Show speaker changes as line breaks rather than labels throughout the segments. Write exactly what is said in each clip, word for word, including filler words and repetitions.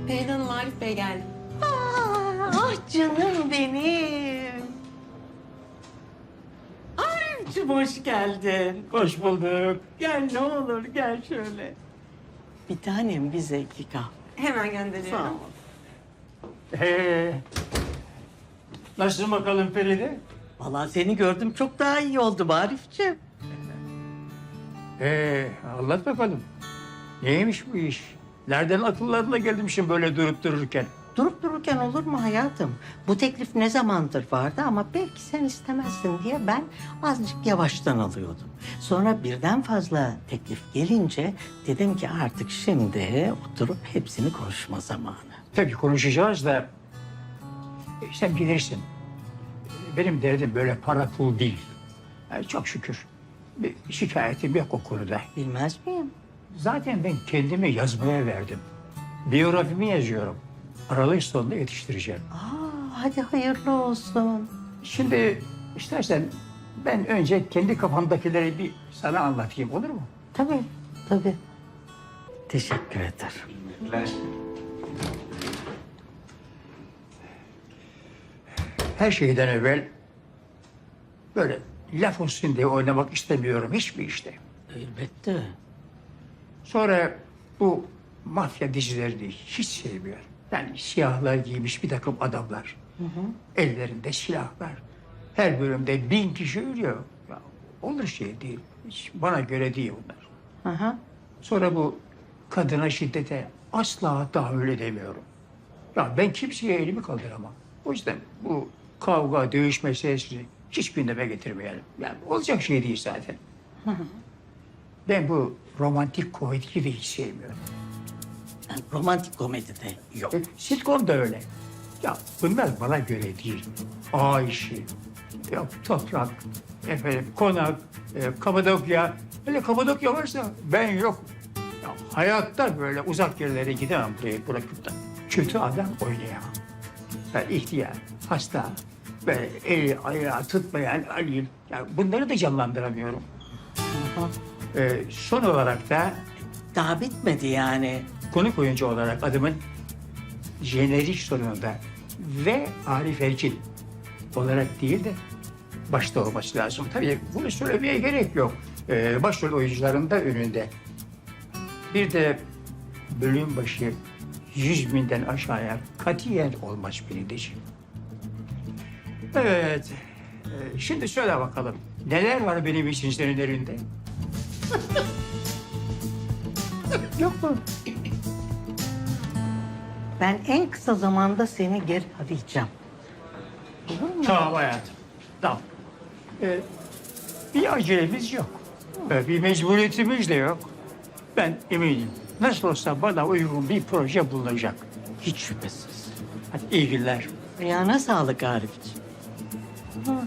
Pelin Hanım, Arif Bey geldi.
Ah canım benim. Arif'cim hoş geldin.
Hoş bulduk. Gel ne olur gel şöyle.
Bir tanem bize iki kahve.
Hemen gönderiyorum.
Sağ ol.
Ee, nasılsın bakalım Feride?
Vallahi seni gördüm çok daha iyi oldu Arif'ciğim.
Ee, anlat bakalım. Neymiş bu iş? Nereden akıllarına gelmişsin böyle durup dururken?
Durup dururken olur mu hayatım? Bu teklif ne zamandır vardı ama belki sen istemezsin diye ben azıcık yavaştan alıyordum. Sonra birden fazla teklif gelince dedim ki artık şimdi oturup hepsini konuşma zamanı.
Tabii konuşacağız da e, sen bilirsin. Benim derdim böyle para pul değil. Yani çok şükür bir şikayetim yok o konuda.
Bilmez miyim?
Zaten ben kendimi yazmaya verdim. Biyografimi yazıyorum. Aralık sonunda yetiştireceğim.
Aa, hadi hayırlı olsun.
Şimdi istersen ben önce kendi kafamdakileri bir sana anlatayım olur mu?
Tabii, tabii. Teşekkür ederim.
Her şeyden evvel böyle laf olsun diye oynamak istemiyorum hiçbir işte.
Elbette.
Sonra bu mafya dizilerini hiç sevmiyorum. Yani siyahlar giymiş bir takım adamlar. Ellerinde silahlar. Her bölümde bin kişi ölüyor. Ya, olur şey değil. Hiç bana göre değil bunlar.
Hı hı.
Sonra bu kadına şiddete asla tahammül demiyorum. Ya ben kimseye elimi kaldıramam. O yüzden bu kavga, dövüş meselesini hiç gündeme getirmeyelim. Yani olacak şey değil zaten. Ben bu romantik komediyi de hiç sevmiyorum.
Yani romantik komedide yok.
E, sitcom da öyle. Ya bunlar bana göre değil. Ağ işi, yok toprak, efendim konak, e, Kapadokya. Hele Kapadokya varsa ben yok. Ya, hayatta böyle uzak yerlere gidemem burayı bırakıp da. Kötü adam oynayamam. Ya, ihtiyar, hasta, böyle eli ayağı tutmayan Ali. Ya, bunları da canlandıramıyorum. E, son olarak da
Daha bitmedi yani.
konuk oyuncu olarak adımın jenerik sonunda ve Arif Erkin olarak değil de başta olması lazım. Tabii bunu söylemeye gerek yok. Ee, başrol oyuncuların da önünde. Bir de bölüm başı yüz binden aşağıya katiyen olmaz Pelin'ciğim. Evet. Ee, şimdi söyle bakalım. Neler var benim için senin elinde? Yok mu?
Ben en kısa zamanda seni geri arayacağım. Olur mu?
Tamam hayatım. Tamam. Ee, bir acelemiz yok. Ee, bir mecburiyetimiz de yok. Ben eminim. Nasıl olsa bana uygun bir proje bulunacak.
Hiç şüphesiz.
Hadi iyi günler.
Ayağına sağlık Arif'ciğim. Ah.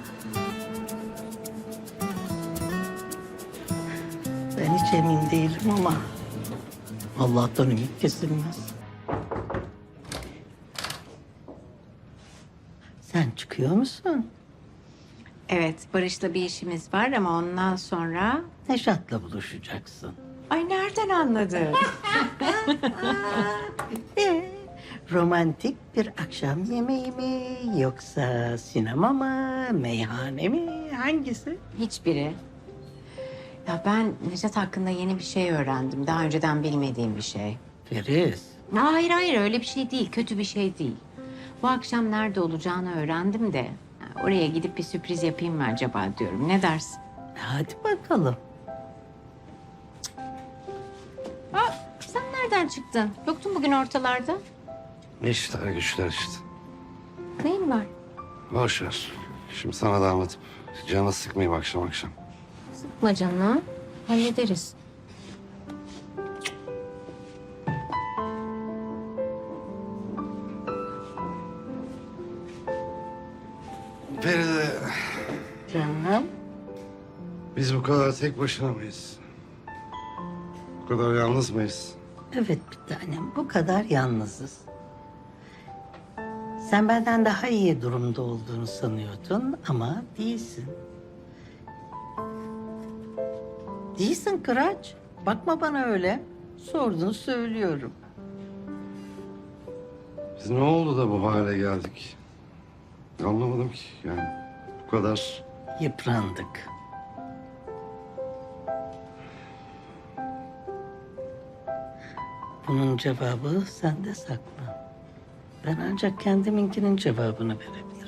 Ben hiç emin değilim ama Allah'tan ümit kesilmez. Sen çıkıyor musun?
Evet, Barış'la bir işimiz var ama ondan sonra...
Neşat'la buluşacaksın.
Ay nereden anladın?
Ee, romantik bir akşam yemeği mi yoksa sinema mı, meyhane mi, hangisi?
Hiçbiri. Ya ben Necat hakkında yeni bir şey öğrendim. Daha önceden bilmediğim bir şey.
Feriz,
Hayır hayır öyle bir şey değil. Kötü bir şey değil. Bu akşam nerede olacağını öğrendim de... ya, oraya gidip bir sürpriz yapayım mı acaba diyorum. Ne dersin?
hadi bakalım.
Aa, sen nereden çıktın? Yoktun bugün ortalarda.
İşler güçler işte.
Neyin var?
Boş ver. Şimdi sana da anlatıp canı sıkmayayım akşam akşam.
Sıkma canını. Hallederiz.
Feride,
Canım,
biz bu kadar tek başına mıyız? Bu kadar yalnız mıyız?
evet bir tanem, bu kadar yalnızız. Sen benden daha iyi durumda olduğunu sanıyordun ama değilsin. Değilsin Kıraç. Bakma bana öyle. Sordun söylüyorum.
Biz ne oldu da bu hale geldik? Anlamadım ki yani. Bu kadar
Yıprandık. Bunun cevabı sende saklı. Ben ancak kendiminkinin cevabını verebilirim.